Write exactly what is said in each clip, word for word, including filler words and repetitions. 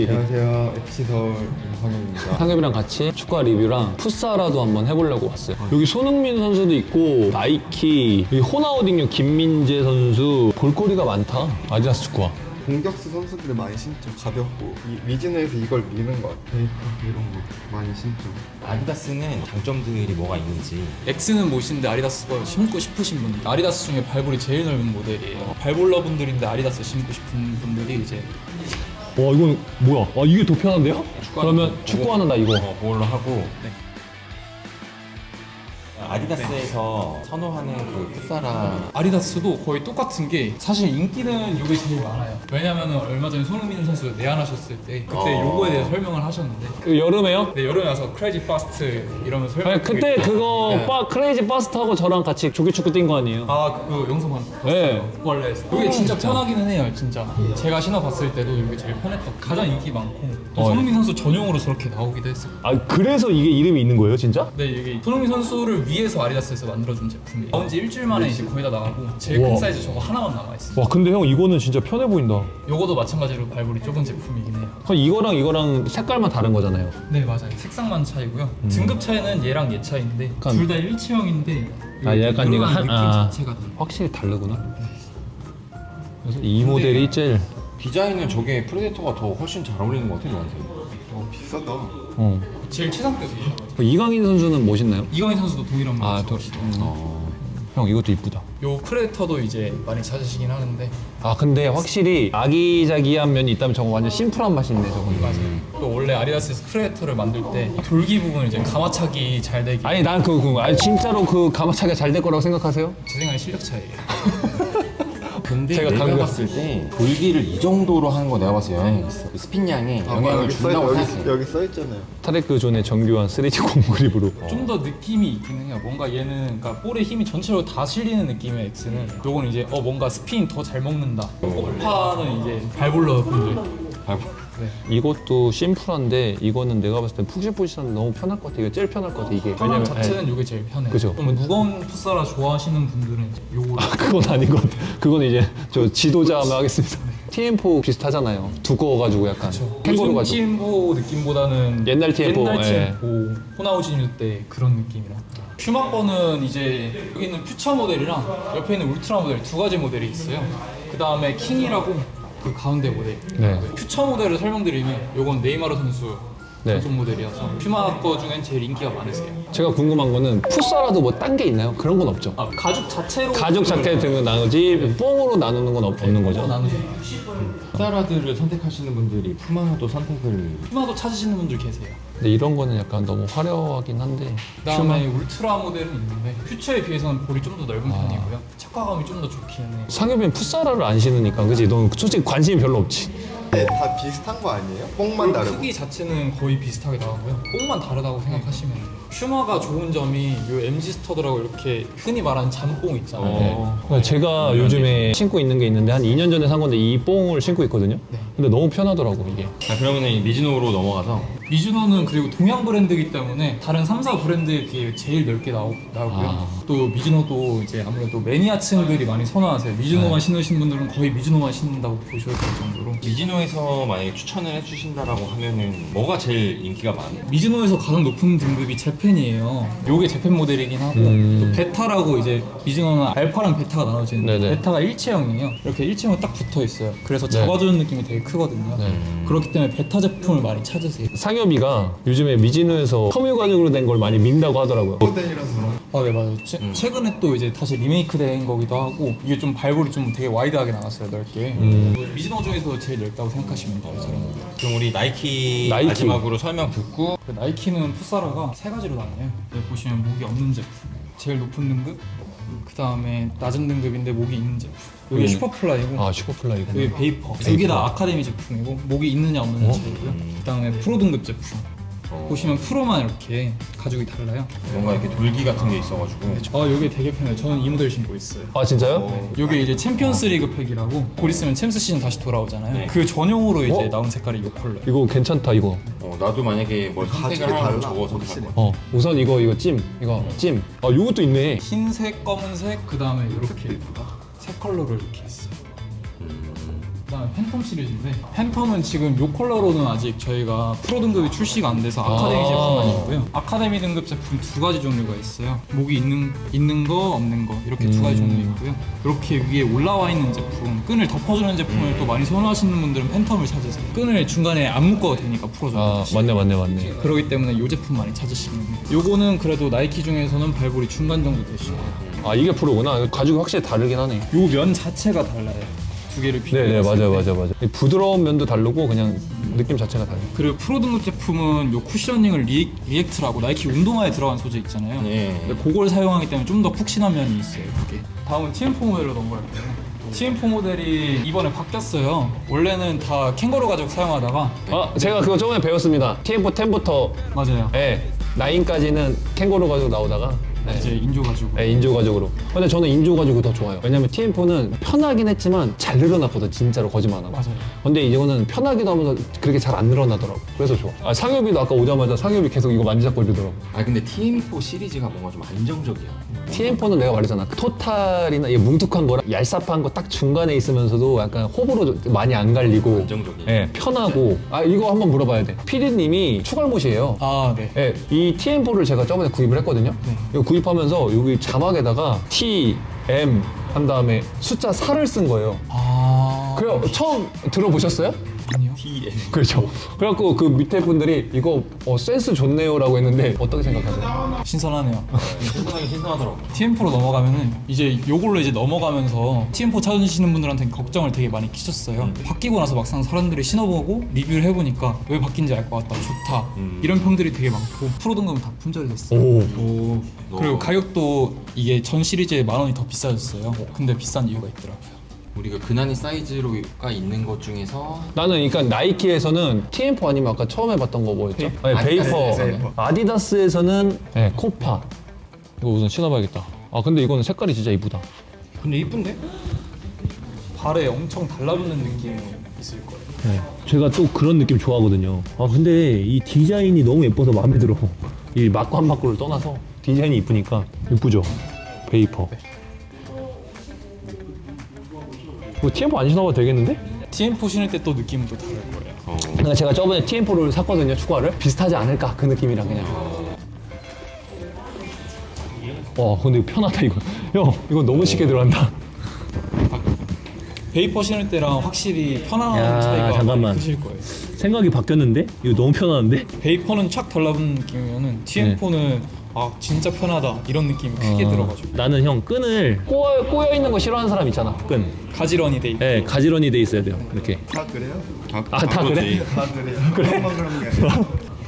안녕하세요. 에프씨 서울 임상현입니다. 상엽이랑 같이 축구 리뷰랑 풋사라도 한번 해보려고 왔어요. 여기 손흥민 선수도 있고 나이키, 여기 호나우딩요 김민재 선수, 볼거리가 많다. 아디다스 축구화. 공격수 선수들이 많이 신죠. 가볍고 이 미즈노에서 이걸 미는 것 같아요. 이런 거 많이 신죠. 아디다스는 장점들이 뭐가 있는지. X는 못 신는데 아디다스 거 신고 싶으신 분들, 아디다스 중에 발볼이 제일 넓은 모델이에요. 발볼러 분들인데 아디다스 신고 싶은 분들이 이제 와 이건 뭐야? 아 이게 더 편한데요? 그러면 축구화는 나 이거. 어, 그걸로 하고. 네. 아디다스에서 선호하는 그 풋사라. 아디다스도 거의 똑같은 게 사실 인기는 이게 제일 많아요. 왜냐면은 얼마 전에 손흥민 선수 내한하셨을 때 그때 어. 요거에 대해서 설명을 하셨는데 그 여름에요? 네, 여름에 와서 크레이지 파스트 이러면서 설명. 아니 그때 그거 네. 빠, 크레이지 파스타하고 저랑 같이 조기축구 뛴 거 아니에요? 아, 그 영상 봤어요. 네. 원래에서. 이게 진짜 편하기는 해요, 진짜. 제가 신어봤을 때도 이게 제일 편했던. 가장 인기 많고 또 어. 손흥민 선수 전용으로 저렇게 나오기도 했어요. 아 그래서 이게 이름이 있는 거예요 진짜? 네, 이게 손흥민 선수를 위해서 아디다스에서 만들어준 제품이에요. 나온 지 일주일 만에 이제 거의 다 나가고 제일 우와. 큰 사이즈 저거 하나만 남아있어요. 와 근데 형 이거는 진짜 편해 보인다. 요거도 마찬가지로 발볼이 좁은 제품이긴 해요. 그럼 이거랑 이거랑 색깔만 다른 거잖아요. 네, 맞아요. 색상만 차이고요. 등급 차이는 얘랑 얘 차이인데 약간- 둘 다 일체형인데 아, 약간 이거 한- 느낌 아. 자체가 달라요. 확실히 다르구나. 그래서 이 모델이 제일 디자인은 저게 프레데터가 더 훨씬 잘 어울리는 것 같아요, 저한테. 어 비싸다. 어. 제일 최상급이에요. 이강인 선수는 멋있나요? 이강인 선수도 동일한 아, 모델. 또, 어. 형 이것도 이쁘다. 요 프레데터도 이제 많이 찾으시긴 하는데 아 근데 확실히 아기자기한 면이 있다면 저거 완전 심플한 맛이 있네 저거. 맞아요. 또 원래 아디다스에서 프레데터를 만들 때 돌기 부분을 이제 가마차기 잘 되게 아니 난 그, 그 아니 진짜로 그 가마차기가 잘 될 거라고 생각하세요? 제 생각에 실력 차이예요. 근데 제가 내가 당근- 봤을 때 돌기를 이 정도로 하는 거 내가 봤을 때 영향이 있어. 그 스핀량에 아, 영향을 여기 써 준다고 여기, 생각해. 여기 써 있잖아요. 타레크 존의 정교한 쓰리디 공그립으로. 좀 더 느낌이 있기는 해요. 뭔가 얘는 그러니까 볼의 힘이 전체로 다 실리는 느낌의 X는 요거는 이제 어 뭔가 스핀 더 잘 먹는다. 오파는 이제 발볼러 분들. 이것도 심플한데 이거는 내가 봤을 때 푹신푹신한데 너무 편할 것 같아. 이거 제일 편할 것 같아 이게. 편함 왜냐면- 자체는 요게 제일 편해요. 그죠. 좀 무거운 풋사라 좋아하시는 분들은 이제 요거를 아, 그건 아닌 것 같아. 그건 이제 저 지도자 하면 하겠습니다. 티엠포 비슷하잖아요. 두꺼워가지고 약간 캥거루 요즘 가지고. 티엠포 느낌보다는 옛날 티엠포, 옛날 예. 티엠포 호나우진일 때 그런 느낌이라. 퓨마 거는 이제 여기 있는 퓨처 모델이랑 옆에 있는 울트라 모델 두 가지 모델이 있어요. 그 다음에 킹이라고 그 가운데 모델. 네. 퓨처 모델을 설명드리면 요건 네이마르 선수 네. 전속 모델이어서 퓨마 거 중엔 제일 인기가 많으세요. 제가 궁금한 거는 풋사라도 뭐 딴 게 있나요? 그런 건 없죠. 아, 가죽 자체로 가죽 자켓 등은 나누지 뽕으로 나누는 건 없, 없는 거죠. 나누죠. 풋사라들을 선택하시는 분들이 푸마도 선택을. 퓨마도 찾으시는 분들 계세요. 근데 이런 거는 약간 너무 화려하긴 한데. 그다음에 울트라 모델은 있는데 퓨처에 비해서는 볼이 좀 더 넓은 편이고요. 착화감이 좀 더 좋기는 해요. 상엽이는 풋사라를 안 신으니까 그지? 넌 솔직히 관심이 별로 없지. 네, 다 비슷한 거 아니에요? 뽕만 다르고. 크기 자체는 거의 비슷하게 나오고요. 뽕만 다르다고 생각하시면 돼요. 퓨마가 좋은 점이 요 엠지 스터드라고 이렇게 흔히 말하는 잠뽕 있잖아요. 어. 그러니까 제가 요즘에 신고 있는 게 있는데 한 이 년 전에 산 건데 이 뽕을 신고 있거든요. 네. 근데 너무 편하더라고 이게. 자, 그러면 미즈노로 넘어가서 미즈노는 그리고 동양 브랜드이기 때문에 다른 삼 사 브랜드에 비해 제일 넓게 나오, 나오고요. 아. 또 미즈노도 이제 아무래도 매니아층들이 많이 선호하세요. 미즈노만 네. 신으신 분들은 거의 미즈노만 신는다고 보셔야 될 정도로. 미즈노에서 만약에 추천을 해주신다라고 하면은 뭐가 제일 인기가 많아요? 미즈노에서 가장 높은 등급이 재팬이에요. 요게 재팬 모델이긴 하고 음. 또 베타라고 이제 미즈노는 알파랑 베타가 나눠지는데 네네. 베타가 일체형이에요. 이렇게 일체형이 딱 붙어 있어요. 그래서 네. 잡아주는 느낌이 되게 크거든요. 네. 그렇기 때문에 베타 제품을 많이 찾으세요. 상엽이가 요즘에 미즈노에서 섬유 가죽으로 된 걸 많이 민다고 하더라고요. 모델이라서 아, 네, 맞아요. 최, 음. 최근에 또 이제 다시 리메이크 된 거기도 하고 이게 좀 발볼이 좀 되게 와이드하게 나갔어요, 넓게. 음. 미즈노 중에서 제일 넓다고 생각하시면 돼요, 저는. 그럼 우리 나이키, 나이키. 마지막으로 설명 듣고. 그 나이키는 풋사라가 세 가지로 나뉘어요. 여기 보시면 목이 없는 제품, 제일 높은 등급, 그 다음에 낮은 등급인데 목이 있는 제품. 여기 음. 슈퍼플라이고, 아 슈퍼플라이구나. 여기 베이퍼. 두 개 다 아카데미 제품이고 목이 있느냐 없느냐 차이고요. 그 다음에 프로 등급 제품. 보시면 프로만 이렇게 가죽이 달라요. 뭔가 이렇게 돌기 같은 게 있어가지고. 아, 이게 되게 편해요. 저는 이 모델 신고 있어요. 아 진짜요? 이게 이제 챔피언스 리그 팩이라고 곧 있으면 챔스 시즌 다시 돌아오잖아요. 네. 그 전용으로 이제 어? 나온 색깔이 이 컬러예요. 이거 괜찮다 이거. 어, 나도 만약에 뭘 가죽이 선택을 하면 달라, 저거 확실히. 선택할 거야. 어 우선 이거 이거 찜 이거 찜. 아 요것도 있네. 흰색, 검은색, 그 다음에 이렇게 세 컬러로 이렇게 있어요. 그다음에 팬텀 시리즈인데 팬텀은 지금 요 컬러로는 아직 저희가 프로 등급이 출시가 안 돼서 아카데미 아. 제품만 있고요. 아카데미 등급 제품 두 가지 종류가 있어요. 목이 있는 있는 거 없는 거 이렇게 두 가지 음. 종류 있고요. 이렇게 위에 올라와 있는 제품, 끈을 덮어주는 제품을 또 많이 선호하시는 분들은 팬텀을 찾으세요. 끈을 중간에 안 묶어도 되니까 풀어줘요. 아 맞네 맞네 맞네. 그렇기 때문에 이 제품 많이 찾으시는 거예요. 요거는 그래도 나이키 중에서는 발볼이 중간 정도 되시고 아 이게 프로구나. 가죽이 확실히 다르긴 하네. 요 면 자체가 달라요. 두 개를 네네 비교했을 맞아요 때. 맞아요 맞아요. 부드러운 면도 다르고 그냥 느낌 자체가 달라요. 그리고 프로 등급 제품은 요 쿠셔닝을 리, 리액트라고 나이키 운동화에 들어간 소재 있잖아요. 예. 근데 그걸 사용하기 때문에 좀 더 푹신한 면이 있어요. 그게. 다음은 티엠포 모델로 넘어갈게요. 티엠포 모델이 이번에 바뀌었어요. 원래는 다 캥거루 가죽 사용하다가 아 제가 그거 저번에 배웠습니다. 티엠포 텐부터 맞아요. 예 나인까지는 캥거루 가죽 나오다가 네. 이제 인조 가죽. 네, 인조 가죽으로. 근데 저는 인조 가죽이 더 좋아요. 왜냐면 티엠포는 편하긴 했지만 잘 늘어났거든, 진짜로 거짓말 안 하고. 맞아요. 근데 이거는 편하기도 하면서 그렇게 잘 안 늘어나더라고. 그래서 좋아. 아, 상엽이도 아까 오자마자 상엽이 계속 이거 만지작거리 이러더라고. 아 근데 티엠포 시리즈가 뭔가 좀 안정적이야. 티엠포는 내가 말했잖아. 토탈이나 이 뭉툭한 거랑 얄쌉한 거 딱 중간에 있으면서도 약간 호불호 많이 안 갈리고. 안정적이야. 예, 편하고. 아, 이거 한번 물어봐야 돼. 피디님이 추갈못이에요. 아 네. 예, 이 티엠포를 제가 저번에 구입을 했거든요. 네. 이거 구입하면서 여기 자막에다가 T, M 한 다음에 숫자 사를 쓴 거예요. 아. 그래요. 처음 들어보셨어요? 아니요. 티엠. 그렇죠. 그래갖고 그 밑에 분들이 이거 어, 센스 좋네요라고 했는데 어떻게 생각하세요? 신선하네요. 신선하게 신선하더라고. 티엠포로 넘어가면은 이제 요걸로 이제 넘어가면서 티엠포 찾으시는 분들한테 걱정을 되게 많이 끼쳤어요. 바뀌고 나서 막상 사람들이 신어보고 리뷰를 해보니까 왜 바뀐지 알 것 같다, 좋다 음. 이런 평들이 되게 많고 프로 등급은 다 품절이 됐어요. 오. 오. 그리고 가격도 이게 전 시리즈에 만 원이 더 비싸졌어요. 근데 비싼 이유가 있더라고요. 우리가 근한이 사이즈로가 있는 것 중에서 나는 그러니까 나이키에서는 티엠포 아니면 아까 처음 해봤던 거 뭐였죠? 네, 베이퍼. 베이퍼. 아디다스에서는 네, 코파. 이거 우선 신어봐야겠다. 아 근데 이거는 색깔이 진짜 이쁘다. 근데 이쁜데? 발에 엄청 달라붙는 느낌이 있을 거예요. 네. 제가 또 그런 느낌 좋아하거든요. 아 근데 이 디자인이 너무 예뻐서 마음에 들어. 이 맞고 안 맞고를 떠나서 디자인이 이쁘니까 이쁘죠? 베이퍼. 뭐 티엠포 안 신어봐도 되겠는데? 티엠포 신을 때 또 느낌은 또 다를 거예요. 어. 그러니까 제가 저번에 티엠포를 샀거든요, 추가를. 비슷하지 않을까, 그 느낌이랑 그냥. 와, 근데 이거 편하다, 이거. 형, 이거 너무 쉽게 들어간다. 베이퍼 신을 때랑 확실히 편안한 야, 차이가 잠깐만. 많이 크실 거예요. 생각이 바뀌었는데? 이거 너무 편한데? 베이퍼는 착 달라붙는 느낌이면은 티엠포는 아 진짜 편하다 이런 느낌이 크게 들어가지고 나는 형 끈을 꼬여, 꼬여있는 거 싫어하는 사람 있잖아. 끈. 가지런히 돼 있고 네, 가지런히 돼 있어야 돼요. 이렇게. 다 그래요? 다, 아, 다 그래? 다 그래요? 그래만 그런 게 아니라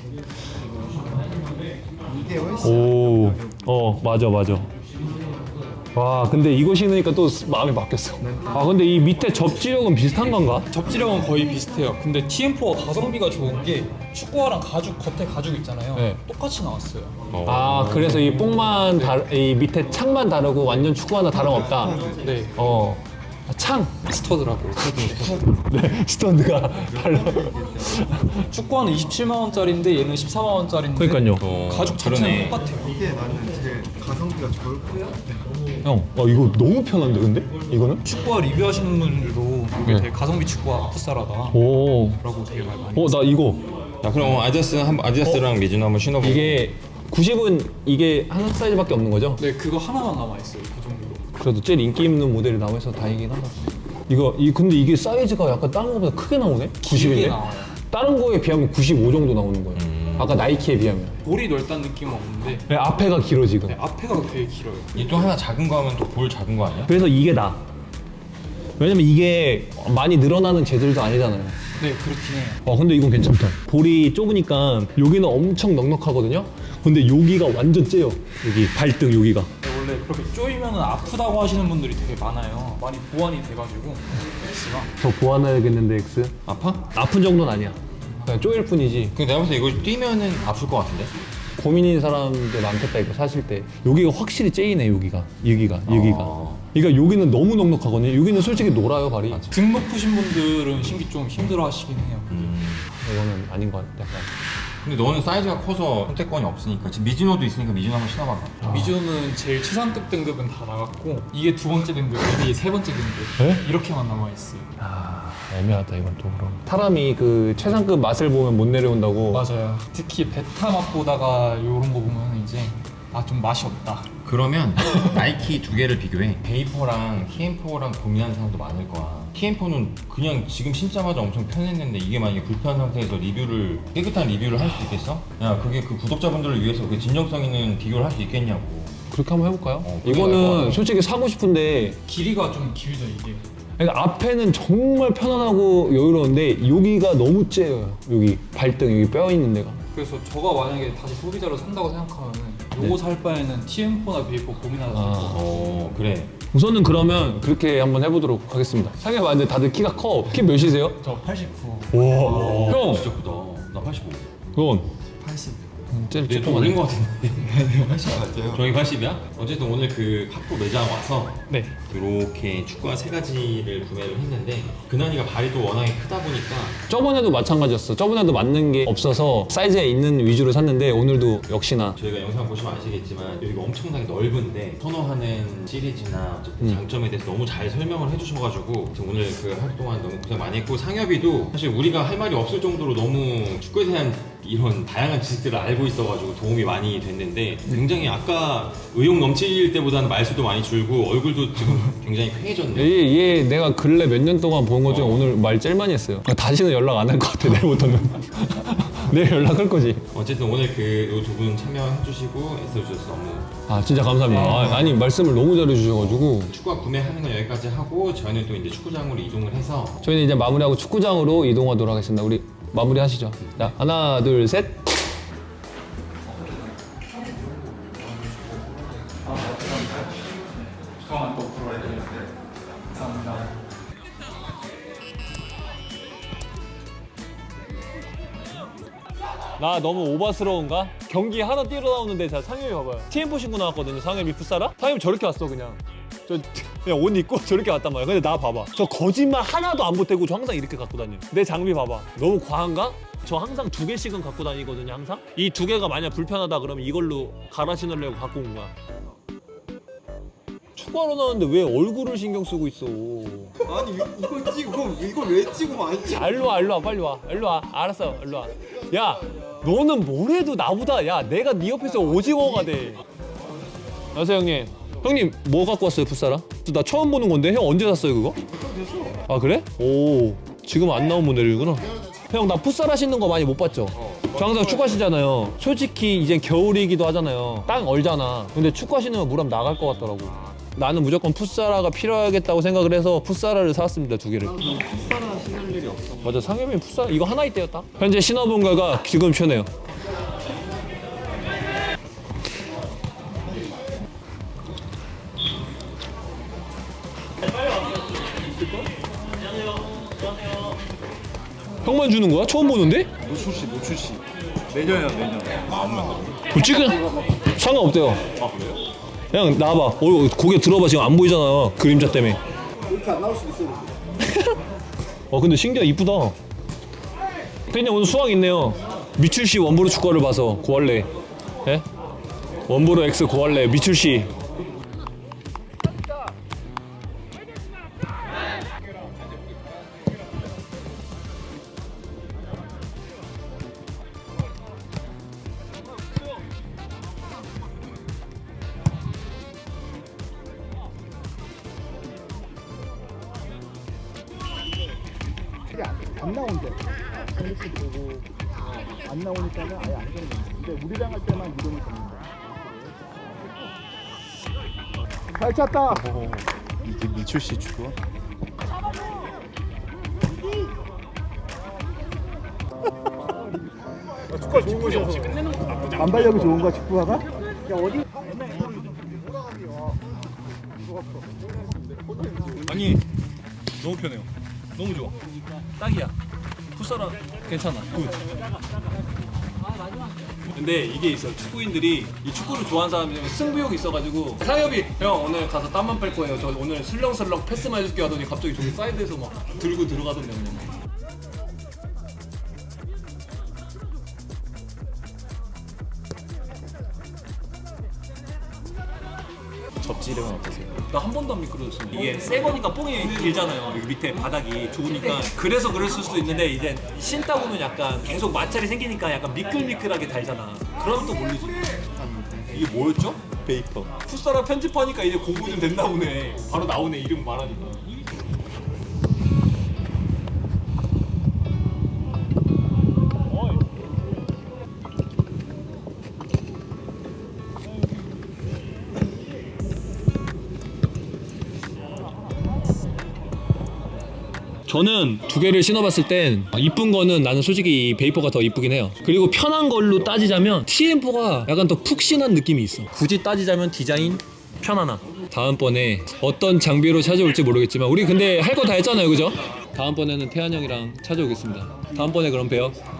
이게 훨씬 오, 어, 맞아, 맞아. 와, 근데 이거 신으니까 또 마음이 바뀌었어. 아, 근데 이 밑에 접지력은 비슷한 건가? 접지력은 거의 비슷해요. 근데 티엠포가 가성비가 좋은 게 축구화랑 가죽 겉에 가죽 있잖아요. 네. 똑같이 나왔어요. 아, 그래서 이 뽕만 다, 이 밑에 창만 다르고 완전 축구하나 다름없다. 네. 어, 아, 창. 스터드라고. 네, 스턴드가 달라. 축구화는 이십칠만 원짜리인데 얘는 십사만 원짜리인데 그러니까요. 어, 가죽 자체는 그러네. 똑같아요. 이게 나는 제일 가성비가 좋을 것 같아. 형, 어, 이거 너무 편한데, 근데? 이거는? 축구화 리뷰하시는 분들도 이게 네. 되게 가성비 축구화 풋살하다 오. 라고 되게 많이 많이 어, 나 이거. 자 그럼 아디다스 한 아디다스랑 미즈노 한번 신어보고. 이게 구십은 이게 한 사이즈밖에 없는 거죠? 네 그거 하나만 남아있어요 그 정도로. 그래도 제일 인기 있는 모델이 나와서 다행이긴 하다. 이거, 이, 근데 이게 사이즈가 약간 다른 거보다 크게 나오네? 구십인데? 길게 나와요. 다른 거에 비하면 구십오 정도 나오는 거예요. 아까 나이키에 비하면. 볼이 넓다는 느낌은 없는데 네, 앞에가 길어, 지금. 네, 앞에가 되게 길어요. 이 또 하나 작은 거 하면 또 볼 작은 거 아니야? 그래서 이게 나. 왜냐면 이게 많이 늘어나는 재질도 아니잖아요. 네 그렇긴 해요. 와, 근데 이건 괜찮다. 볼이 좁으니까 여기는 엄청 넉넉하거든요? 근데 여기가 완전 째요. 여기 발등 여기가. 근데 원래 그렇게 쪼이면 아프다고 하시는 분들이 되게 많아요. 많이 보완이 돼가지고 X가 더 보완해야겠는데, X? 아파? 아픈 정도는 아니야. 그냥 쪼일 뿐이지. 근데 내가 봤을 때 이거 뛰면은 아플 것 같은데? 고민인 사람들 많겠다, 이거 사실 때. 여기가 확실히 째이네, 여기가. 여기가, 여기가. 어. 그러니까 여기는 너무 넉넉하거든요. 여기는 솔직히 놀아요, 발이. 등 높으신 분들은 신기 좀 힘들어 하시긴 해요. 음. 이거는 아닌 것 같아, 약간. 근데 너는 사이즈가 커서 선택권이 없으니까 지금 미즈노도 있으니까 미즈노 한번 신어봐봐. 미주는 제일 최상급 등급은 다 나갔고 이게 두 번째 등급, 이게 세 번째 등급 네? 이렇게만 남아 있어요. 아 애매하다 이건 또 그럼. 사람이 그 최상급 맛을 보면 못 내려온다고. 맞아요. 특히 베타 맛 보다가 이런 거 보면 이제 아 좀 맛이 없다. 그러면 나이키 두 개를 비교해. 베이퍼랑 티엠포랑 고민하는 사람도 많을 거야. 티엠포는 그냥 지금 신자마자 엄청 편했는데 이게 만약에 불편한 상태에서 리뷰를 깨끗한 리뷰를 할 수 있겠어? 야 그게 그 구독자분들을 위해서 그 진정성 있는 비교를 할 수 있겠냐고. 그렇게 한번 해볼까요? 어, 그래, 알것 이거는 같아. 솔직히 사고 싶은데 길이가 좀 길죠 이게. 그러니까 앞에는 정말 편안하고 여유로운데 여기가 너무 째요. 여기 발등 여기 뼈 있는 데가. 그래서 저가 만약에 다시 소비자로 산다고 생각하면은 요거 네. 살 바에는 티엠포나 베이퍼 고민하다 살 아. 거. 어 그래. 우선은 그러면 그렇게 한번 해보도록 하겠습니다. 상해 봤는데 다들 키가 커. 키 몇이세요? 저 팔십구. 와. 형. 진짜 크다. 나 팔십오. 그건 팔십. 제일 내가 좀 조그만해. 어린 거 같은데. 팔십 맞아요. 저희 팔십이야? 어쨌든 오늘 그 학부 매장 와서 네. 이렇게 축구화 세 가지를 구매를 했는데 근한이가 발이 또 워낙에 크다 보니까 저번에도 마찬가지였어. 저번에도 맞는 게 없어서 사이즈에 있는 위주로 샀는데 오늘도 역시나 저희가 영상 보시면 아시겠지만 여기가 엄청나게 넓은데 선호하는 시리즈나 어쨌든 음. 장점에 대해서 너무 잘 설명을 해주셔가지고 오늘 그 하루 동안 너무 고생 많이 했고 상엽이도 사실 우리가 할 말이 없을 정도로 너무 축구에 대한 이런 다양한 지식들을 알고 있어가지고 도움이 많이 됐는데 굉장히 아까 의욕 넘칠 때보다는 말수도 많이 줄고 얼굴도 지금 굉장히 쾌해졌네. 얘, 얘 내가 근래 몇 년 동안 본 것 중에 어. 오늘 말 제일 많이 했어요. 다시는 연락 안 할 것 같아 내일부터는. 내일 연락할 거지. 어쨌든 오늘 그 두 분 참여해주시고 애써주셔서 너무 아 진짜 감사합니다. 아, 아니 말씀을 너무 잘해주셔가지고 축구화 구매하는 건 여기까지 하고 저희는 또 이제 축구장으로 이동을 해서 저희는 이제 마무리하고 축구장으로 이동하도록 하겠습니다. 우리 마무리 하시죠. 자 하나 둘 셋. 잠깐만 또 불러야 되는데. 감사합니다. 나 너무 오바스러운가? 경기 하나 뛰러 나오는데 자 상엽이 봐봐요. 티엠포 신고 나왔거든요. 상엽이 풋사라? 상엽이 저렇게 왔어 그냥. 저 그냥 옷 입고 저렇게 왔단 말이야. 근데 나 봐봐. 저 거짓말 하나도 안 보태고 저 항상 이렇게 갖고 다녀. 내 장비 봐봐. 너무 과한가? 저 항상 두 개씩은 갖고 다니거든요. 항상. 이 두 개가 만약 불편하다 그러면 이걸로 갈아 신으려고 갖고 온 거야. 축구하러 나왔는데 왜 얼굴을 신경 쓰고 있어? 아니 이걸 찍고 이걸 왜 찍으면 안 찍어? 아, 일로 와, 일로 와, 빨리 와, 일로 와. 알았어, 일로 와. 야, 너는 뭘 해도 나보다, 야, 내가 네 옆에서 오징어가 돼. 안녕하세요, 형님. 형님, 뭐 갖고 왔어요, 풋사라? 나 처음 보는 건데, 형 언제 샀어요, 그거? 아, 그래? 오, 지금 안 나온 모델이구나. 형, 나 풋사라 신는 거 많이 못 봤죠? 저 항상 축구 신잖아요. 솔직히 이제 겨울이기도 하잖아요. 땅 얼잖아. 근데 축구 신으면 물하면 나갈 것 같더라고. 나는 무조건 풋사라가 필요하겠다고 생각을 해서 풋사라를 사왔습니다, 두 개를. 풋사라 신을 일이 없어. 맞아, 상엽이 풋사라 이거 하나 있대요, 딱. 현재 신어본 결과 지금 편해요. 형만 주는 거야? 처음 보는데? 노출 씨, 노출 씨. 내년이야 내년. 뭐 찍은 상관없대요. 아 그래요? 그냥 나와봐. 어, 고개 들어봐. 지금 안 보이잖아. 그림자 때문에. 이렇게 안 나올 수도 있어. 어 근데 신기하 이쁘다. 그냥 오늘 수학 있네요. 미출 씨 원보로 축구를 봐서 고할래. 예? 원보로 X 고할래. 미출 씨. 안 나온대. 이렇게 보고 안 나오니까는 아예 안 되는 거야. 근데 우리랑 할 때만 이동이 됩니다. 잘 찼다. 이게 미출 씨 축구야? 축구가 좋은 곳이어서 반발력이 좋은 거야 축구화가? 야 어디? 아니 너무 편해요. 너무 좋아. 딱이야. 풋사라 괜찮아. 굿. 근데 이게 있어. 축구인들이 이 축구를 좋아하는 사람들이 승부욕이 있어가지고 상엽이 형 오늘 가서 땀만 뺄 거예요. 저 오늘 슬렁슬렁 패스만 해줄게 하더니 갑자기 저기 사이드에서 막 들고 들어가던데 그냥. 접지력은 어떠세요? 나 한 번도 안 미끄러졌어. 이게 새 거니까 뽕이 길잖아요. 여기 밑에 바닥이 좋으니까 그래서 그랬을 수도 있는데 이제 신다 보면 약간 계속 마찰이 생기니까 약간 미끌미끌하게 달잖아. 그러면 또 모르지. 이게 뭐였죠? 베이퍼. 풋사라 편집하니까 이제 공부 좀 됐나 보네. 바로 나오네 이름 말하니까. 저는 두 개를 신어봤을 땐 이쁜 거는 나는 솔직히 이 베이퍼가 더 이쁘긴 해요. 그리고 편한 걸로 따지자면 티엠포가 약간 더 푹신한 느낌이 있어. 굳이 따지자면 디자인, 편안함. 다음번에 어떤 장비로 찾아올지 모르겠지만 우리 근데 할 거 다 했잖아요, 그죠? 다음번에는 태한 형이랑 찾아오겠습니다. 다음번에 그럼 봬요.